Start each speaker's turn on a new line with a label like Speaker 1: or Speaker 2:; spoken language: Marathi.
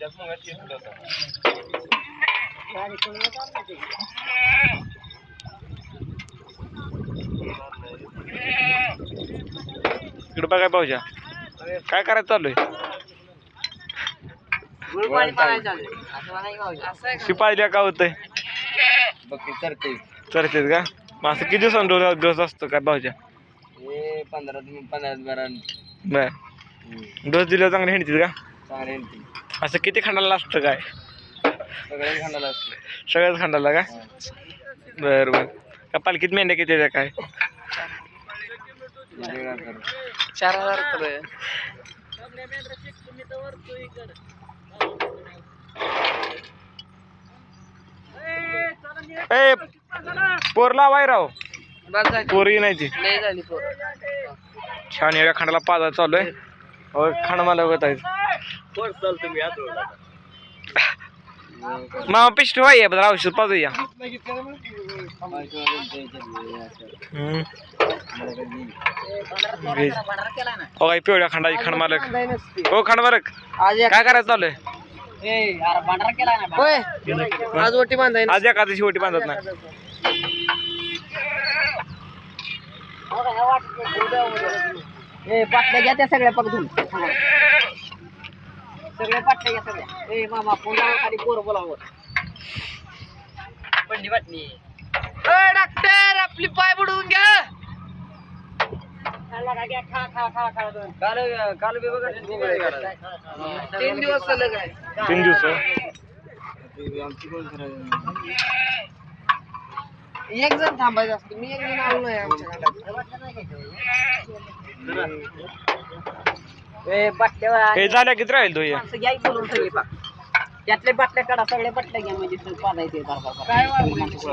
Speaker 1: इकडं बघाय पाहूया काय करायचं चालू आहे. शिपाईला का होतंय चरतेच का. मग असं किती दिवसांनी डोस असतो काय भाऊच्या.
Speaker 2: 15
Speaker 1: बर डोस दिल्यावर चांगले हिंडतील का.
Speaker 2: चांगले
Speaker 1: असं किती खंडाला असतं काय.
Speaker 2: सगळ्याच खंडाला असते.
Speaker 1: सगळ्याच खंडाला का. बर बर का पालखीत मेंढ्या किती आहे काय.
Speaker 2: 4000 रुपये.
Speaker 1: ए पोरला वाय राव पोरी नाही छान एवढ्या खंडाला पाजा चालू आहे. खंड मला बघत आहे मामा पिष्ट व्हाय बरं औषध पाजूया. हो काय पिवळ्या खंडाची खंड मालक. हो खंड मालक काय करायचं चालू आहे.
Speaker 2: आज ओटी बांधाय
Speaker 1: आज एखाद्याची ओटी बांधत नाही.
Speaker 2: पाटल्या घ्या त्या सगळ्या पकडून सगळ्या पाटल्या घ्या सगळ्या. ए मामा पुन्हा खाली पोरं बोलावं पंडी वाटणी. डॉक्टर आपली पाय बुडवून घ्या. काल 3 दिवस झालं काय.
Speaker 1: 3 दिवस
Speaker 2: एक जण थांबायचं असतं. मी एक जण आलो नाही आमच्या
Speaker 1: हे झाल्या किती राहील तो
Speaker 2: घ्याय बोलून सगळे त्यातले बाटल्या काढा. सगळे बाटल्या घ्या म्हणजे पाजायचे.